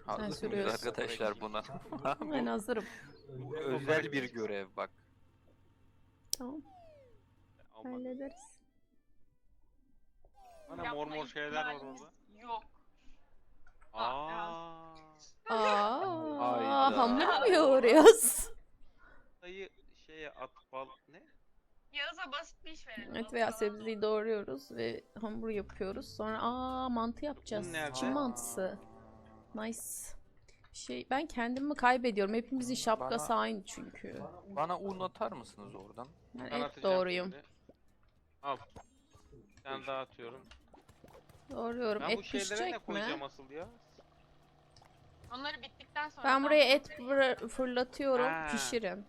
Hazır mıyız sürüyorsun. arkadaşlar buna? Ben hazırım. Bu özel bir görev bak. Tamam, Aman. hallederiz. Ana mor mor şeyler var orada. Yok. Aa. Aa, Hayda. hamur mu yoğuruyoruz? Dayı şeye at bal ne? Yağız'a basit bir iş verelim. Evet, veya sebzeyi doğruyoruz ve hamur yapıyoruz. Sonra mantı yapacağız. Bu nerede? Çin mantısı. Nice. Ben kendimi kaybediyorum. Hepimizin şapkası aynı çünkü. Bana un atar mısınız oradan? Ben Ben et atacağım doğruyum. şimdi. Al. Ben dağıtıyorum. Doğruyorum. Ben bu Et şeylere ne pişecek mi? koyacağım asıl ya? Onları bittikten sonra... Ben buraya et fırlatıyorum. Ha. Pişirin.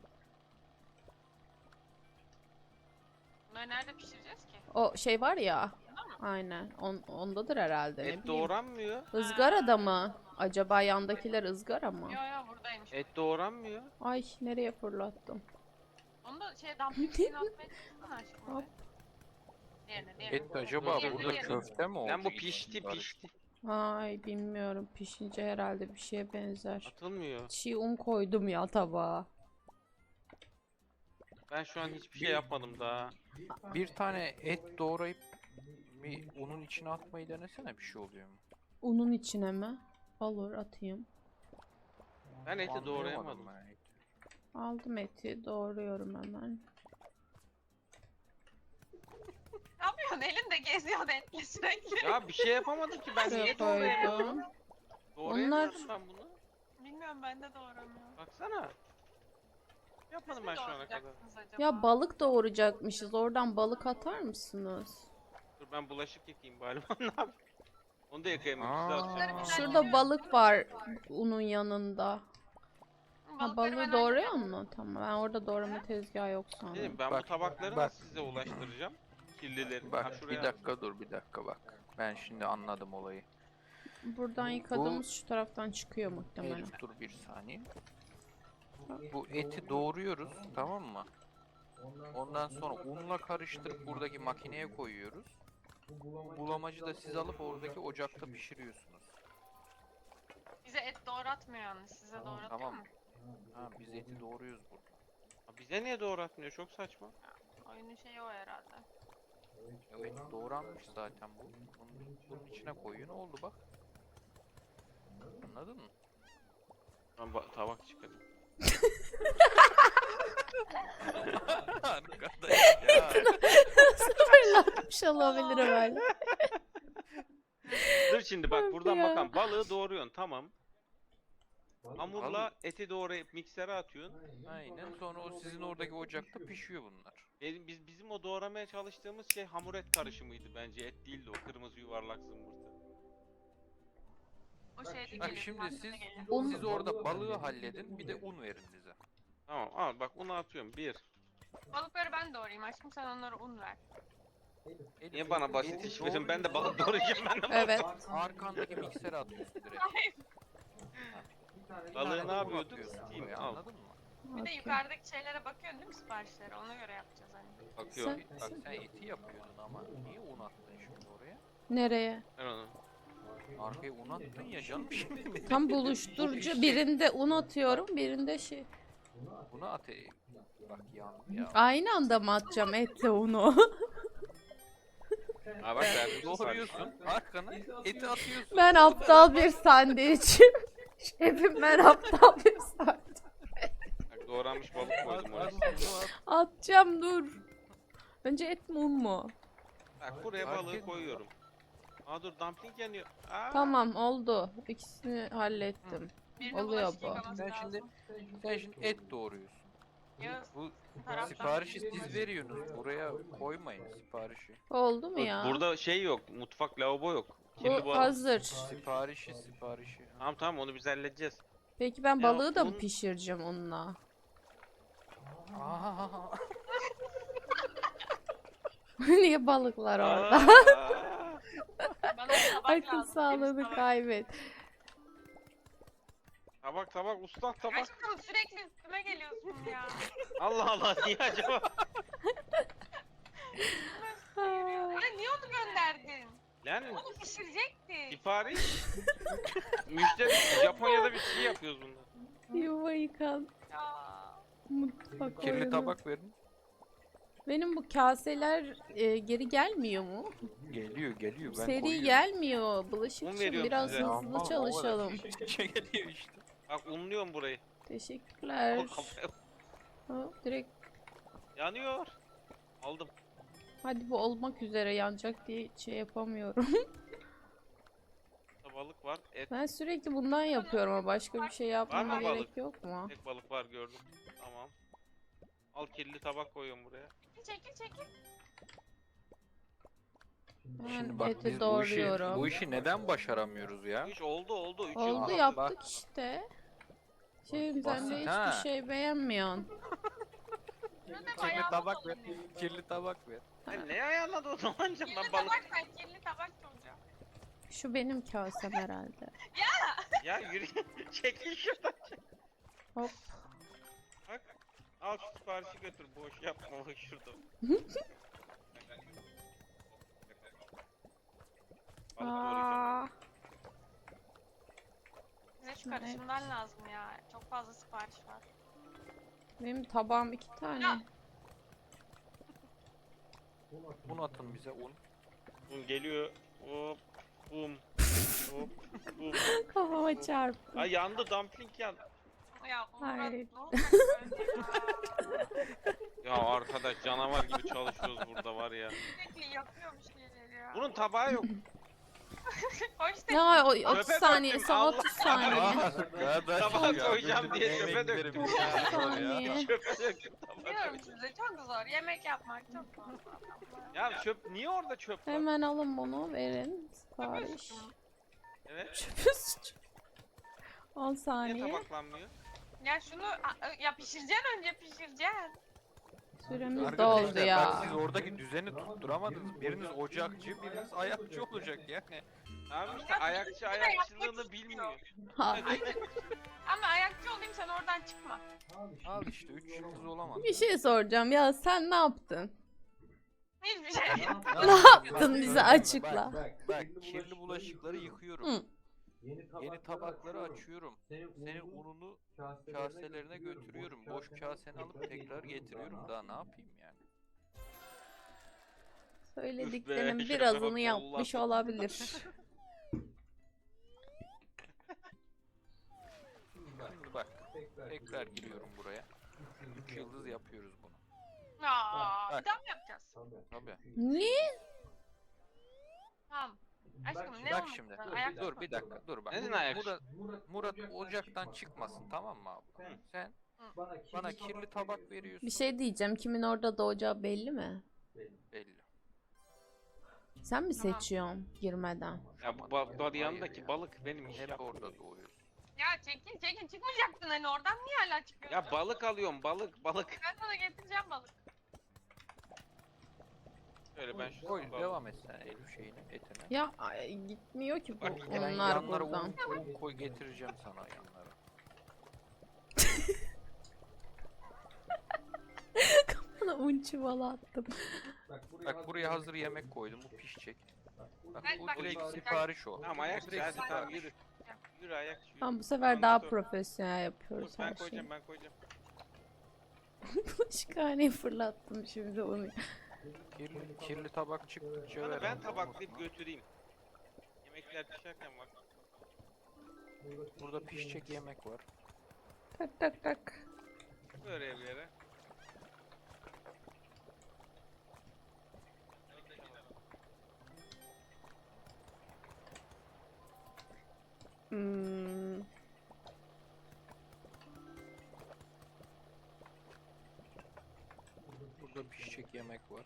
Bunları nerede pişireceğiz ki? O şey var ya. Aynen. Ondadır herhalde. Ne Et bileyim. doğranmıyor. Izgarada mı? Acaba yandakiler ızgara mı? Yo yo buradaymış. Et doğranmıyor. Ay, nereye fırlattım? Onu da dumpling şeyini atmaya çalışsana aşkım. Hop. Diğerine. Et acaba Diğerine, burada diğerine. köfte mi oldu? Lan bu pişti pişti. Ay, bilmiyorum. Pişince herhalde bir şeye benzer. Atılmıyor. Çiğ un koydum ya tabağa. Ben şu an hiçbir şey yapmadım daha. Bir tane et doğrayıp bir unun içine atmayı denesene, bir şey oluyor mu? Unun içine mi? Olur, atayım. Ben eti Anlayamadım doğrayamadım. ben eti. Aldım eti. Doğruyorum hemen. Ne yapıyorsun? Elinde geziyor etle sürekli. Ya bir şey yapamadım ki ben Şuraya niye doğrayamıyorum? koydum. Doğrayamıyorum ben bunu. Bilmiyorum ben de doğramıyorum. Baksana. Yapmadım ben şu ana kadar. Doğrayacaksınız acaba? Ya balık doğuracakmışız. Oradan balık atar mısınız? Dur ben bulaşık yıkayayım bari. Ne yapayım? Onu da yıkayayım. Aa. Şurada balık var unun yanında. Ha, Balıkları balığı ben doğruyor hallederim. mu? Tamam, ben orada doğrama tezgahı yok Dedim sanırım. ben Bak, bu tabakları bak. nasıl size ulaştıracağım? Kirlileri. Ha, Bak şuraya bir dakika dur, bir dakika bak. Ben şimdi anladım olayı. Buradan yıkadığımız şu taraftan çıkıyor muhtemelen. Elif dur bir saniye. Bu eti doğruyoruz, tamam mı? Ondan sonra unla karıştırıp buradaki makineye koyuyoruz. Bulamacı da siz alıp oradaki ocakta pişiriyorsunuz. Bize et doğratmıyor yalnız. Size doğratıyor Tamam. mu? Ha, biz eti doğruyoruz burada. Ha, bize niye doğratmıyor? Çok saçma. Oyunun şeyi o herhalde. Evet, doğranmış zaten bu. Bunun içine koyuyor, ne oldu bak. Anladın mı? Ben tabak çıkarayım. Arkadaş ya. Fırlatmış olabilir böyle. Dur şimdi bak buradan Ya. bakalım. Balığı doğruyorsun tamam. Hamurla eti doğrayıp miksere atıyorsun. Aynen, sonra o sizin oradaki ocakta pişiyor bunlar. Bizim o doğramaya çalıştığımız şey hamur et karışımıydı bence. Et değildi o kırmızı yuvarlak zımbırtı. O şeyde Bak gelir. şimdi pastede siz gelir. siz orada balığı halledin, bir de un verin bize. Tamam al bak unu atıyorum. Bir. Balıkları ben doğrayayım aşkım sen onlara un ver. Elif, Niye bana basit eti iş verin? Ben de balık doğruyorsun, doğrayacağım ben de balık. Evet. arkandaki miksere atıyorsun direkt. Balığı ne yapıyorduk? Atıyorsun Steam, buraya, al. anladın mı? Bir de Okey. yukarıdaki şeylere bakıyorsun değil mi siparişlere? Ona göre yapacağız hani. Bakıyorum. Bak sen eti yapıyordun ama niye un attın şimdi oraya? Nereye? Ben onu. Arkaya un attın ya canım şimdi. Tam buluşturucu. Birinde un atıyorum, birinde şey. Buna at. Bak yandım ya. Aynı anda mı atacağım etle unu? Ha bak verdim Doğruyorsun, arkana eti atıyorsun. Ben aptal bir sandviçim. Şefim, ben aptal bir sandviç. Bak doğranmış balık koydum oraya. Atacağım, dur. Önce et mi un mu? Bak buraya balığı koyuyorum. Aa dur dumpling yanıyor. Aa. Tamam, oldu. İkisini hallettim. Birine Oluyor bulaşık bu. yıkaması Sen lazım. şimdi et doğruyorsun. Yağız, Bu taraftan. siparişi siz veriyorsunuz. Buraya koymayın siparişi. Oldu mu ya? Burada şey yok. Mutfak lavabo yok. Kirli Bu balık. hazır. Siparişi. Tamam tamam onu biz halledeceğiz. Peki ben Ya, balığı da mı un- pişireceğim onunla? Aa, Niye balıklar orada? Aa. Bana bir tabak Akıl lazım, sağlığını temiz tabak. kaybet. Tabak usta tabak. Aşkım sürekli üstüme geliyorsun ya. Allah Allah niye acaba? Ya niye onu gönderdin? Yani Onu pişirecektik. sipariş. Müşteri Japonya'da bir şey yapıyoruz bunlar. Yuva yıkan Ya. mutfak Kirli oyunu. tabak verin. Benim bu kaseler geri gelmiyor mu? Geliyor geliyor. Ben Seri koyuyorum. gelmiyor. Bulaşıkçı veriyorum biraz size. hızlı Aman, o kadar çalışalım. şey geliyor işte. Bak unluyorum burayı. Teşekkürler. Al kafaya. Direkt Yanıyor. Aldım. hadi bu olmak üzere yanacak diye şey yapamıyorum. Burada balık var. Et. Ben sürekli bundan yapıyorum ama başka bir şey yapmama mı gerek balık? yok mu? Tek balık var gördüm. Tamam. Al kirli tabak koyuyorum buraya. Çekil. Ben Şimdi bak eti biz doğruyorum. bu işi neden başaramıyoruz ya? Üç oldu. Üç Oldu yıl yaptık bak. işte. Sen Basit de hiçbir ha. şey beğenmiyorsun. Kirli tabak ver. Kirli tabak ver. Sen ne ayarladın o zaman canım ben Kirli balık. tabak ben kirli tabak soracağım. Şu benim kasem herhalde. Ya yürü. Çekil şuradan. Hop. Bak. Al şu siparişi götür. Boş yapma bak şurada. Balık doğrayacağım. Aa, Bize şu Evet. karışımdan lazım ya. Çok fazla sipariş var. benim tabağım 2 tane. Ya. Un atın bize un. Un geliyor. Hop. Bum. Hop. Bum. Kafama çarptı. Ay yandı dumpling yandı. Ya Murat Hayır. ne olacak böyle ya? Ya arkadaş canavar gibi çalışıyoruz burada var ya. Sürekli yapıyor bir şeyleri ya. Bunun tabağı yok. O işte Ya o 30 Çöpe saniye, döktüm, son Allah 30 saniye. Tabağa koyacağım diye çöpe döktüm. 30 saniye. Çöpe döktüm tabağı. diyorum size çok zor. Yemek yapmak çok zor. Ya çöp niye orada çöp var? Hemen alın bunu verin. Sipariş. Evet. Çöpü suç. 10 Niye saniye. tabaklanmıyor? Ya şunu ya pişireceksin önce pişireceksin. Süremiz Arkadaşlar, doldu ya. Bak siz oradaki düzeni tutturamadınız. Biriniz ocakçı, biriniz ayakçı olacak yani. Abi işte ayakçı ayakçılığını bilmiyor. Ha, Ama ayakçı olayım sen oradan çıkma. Al işte 3 yıldız olamaz. bir şey soracağım ya, sen ne yaptın? Hiçbir şey. Ne yaptın bize açıkla. Bak kirli bulaşıkları yıkıyorum. Hı. Yeni tabakları açıyorum. Senin ununu kaselerine götürüyorum. Boş kaseni alıp tekrar getiriyorum. Daha ne yapayım yani? Söylediklerinin şerefe bak, birazını yapmış Allah. olabilir. Şimdi bak tekrar giriyorum buraya. 3 yıldız yapıyoruz bunu. Aa, Bak. bir daha mı yapacağız? Tabii. Niye? Tamam. Aşkım ne Bak olmuş? şimdi. Ayak Dur bir dakika dur bak. Neden ayak? Murat ocaktan çıkmasın tamam mı abla? Sen bana kirli tabak veriyorsun. Bir şey diyeceğim. Kimin orada doğacağı belli mi? Belli. Sen mi Tamam. seçiyorsun girmeden? Ya bu yanındaki balık benim iş Hep yapıyor. orada doğuyoruz. Ya çekil çıkmayacaktın hani oradan niye hala çıkıyorsun? Ya balık alıyorum balık. Ben sana getireceğim balık. Şöyle ben şu Koy tabağı- devam et sen Elif şeyine etine. Ya ay, gitmiyor ki bu Bak, Ben onlar yanlara buradan. un koy getireceğim sana yanlara. Bana un çuvalı attım. Bak buraya hazır yemek koydum bu pişecek. Bak bu Bak, direkt bak. sipariş o. Tamam ayakçı Direkt hadi tamam sipariş. yürü. Yürü ayakçı yürü. Tamam bu sefer daha Dur. profesyonel Dur, yapıyoruz ben her şeyi. koyacağım ben koyacağım. Bulaşıkhaneyi fırlattım şimdi onu. Kirli tabak çıktıkça Hadi ver. ben ama, tabaklayıp unutma. götüreyim. Yemekler pişerken bak. Burada pişecek yemek var. Tak tak tak. Böyle bir yere. Hmm. Burada pişecek yemek var.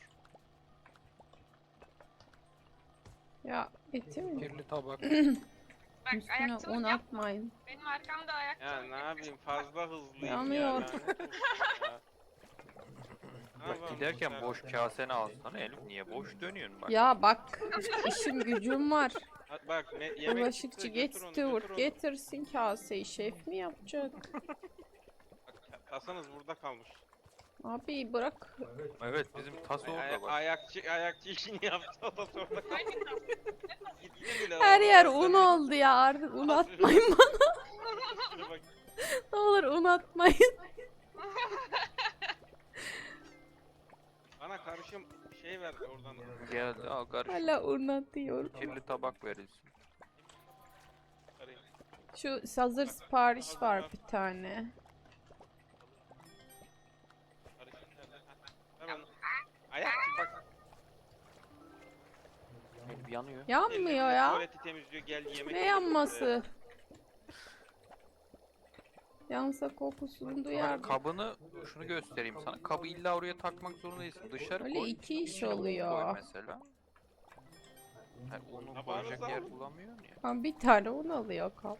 Ya etim Kirli tabak. Bak üstüne ayakçılık un yap. atmayın. Benim arkamda Ya ayakçılık ne yapayım fazla hızlıyım Yanıyor. ya. lanet olsun ya. Ne Bak yapalım giderken bu boş sefer? kaseni alsana Elif niye boş dönüyorsun bak. Ya bak işim gücüm var. Hadi bak yemek Bulaşıkçı çıktı, get götür onu, steward götür onu. getirsin kaseyi, şef mi yapacak? Bak, kasanız burada kalmış. Abi bırak. Evet bizim tas orada bak. Ayakçı işini yaptı o da sonra kaldı. Aynen. Gitti bile. Her o. yer un oldu ya, artık un atmayın bana. Şuna bak. Ne olur un atmayın. Bana karışım şey ver oradan. Geldi al karış. Hala un atıyor. Kirli tabak verilsin. Karayım. Şu hazır sipariş var bir tane. Karışım nerede? Ver onu. Ayakçı bak. Elim yanıyor. Yanmıyor ya. Tuvaleti temizliyor gel yemek. Ne yiyor yanması? Yansa kokusunu Bak, duyardım. kabını şunu göstereyim sana. Kabı illa oraya takmak zorunda değilsin. Dışarı Öyle koy. iki iş içine un oluyor. Koy mesela. Yani onu Tabağınızda koyacak yer un. bulamıyorsun ya. Ha, bir tane un alıyor kap.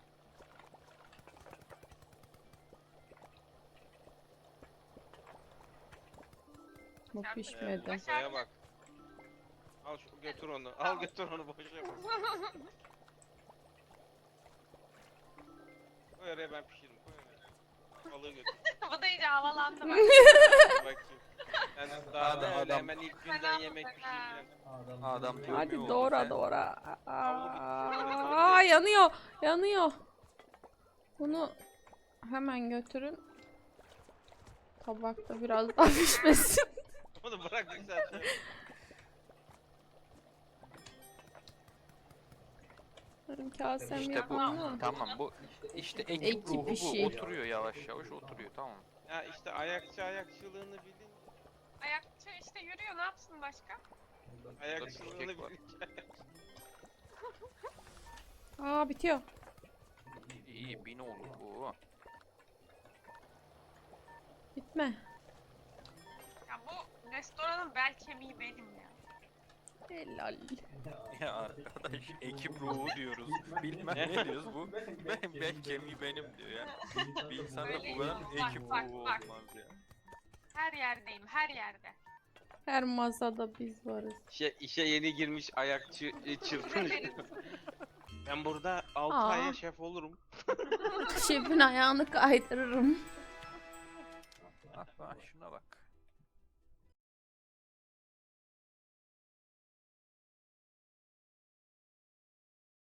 Bu pişmedi. Masaya bak. Al şu götür onu. Al götür onu boş yapma. Koy oraya ben pişiririm. Koy oraya. Balığı götür. Bu da iyice havalandı bak. Bakayım. Ben daha Adam- da öyle adam- hemen ilk günden yemek pişireceğim. Adam Hadi dönmüyor doğra oldu, doğra. Havlu bitti. Aa, yanıyor. Yanıyor. Bunu hemen götürün. Tabakta biraz daha pişmesin. Onu bırak zaten. Benim kasem İşte yok bu ama. tamam bu işte ekip Ekip ruhu işi. bu oturuyor yavaş yavaş oturuyor tamam. Ya işte ayakçılığını bilin. Ayakçı işte yürüyor ne yapsın başka? Ayakçılığını pişecek var. bilin. Aa, bitiyor. İyi bin olur bu. Bitme. Ya bu restoranın bel kemiği benim ya. Helal. Ya arkadaş ekip ruhu diyoruz. Bilmem ne diyoruz bu. Ben kemiği benim diyor ya. Bir insanda bu kadar ekip Bak, ruhu bak. olmaz ya. Her yerdeyim her yerde. Her masada biz varız. İşe yeni girmiş ayakçı çırpınış. Ben burada 6 Aa. aya şef olurum. Şefin ayağını kaydırırım. Bak bak şuna bak.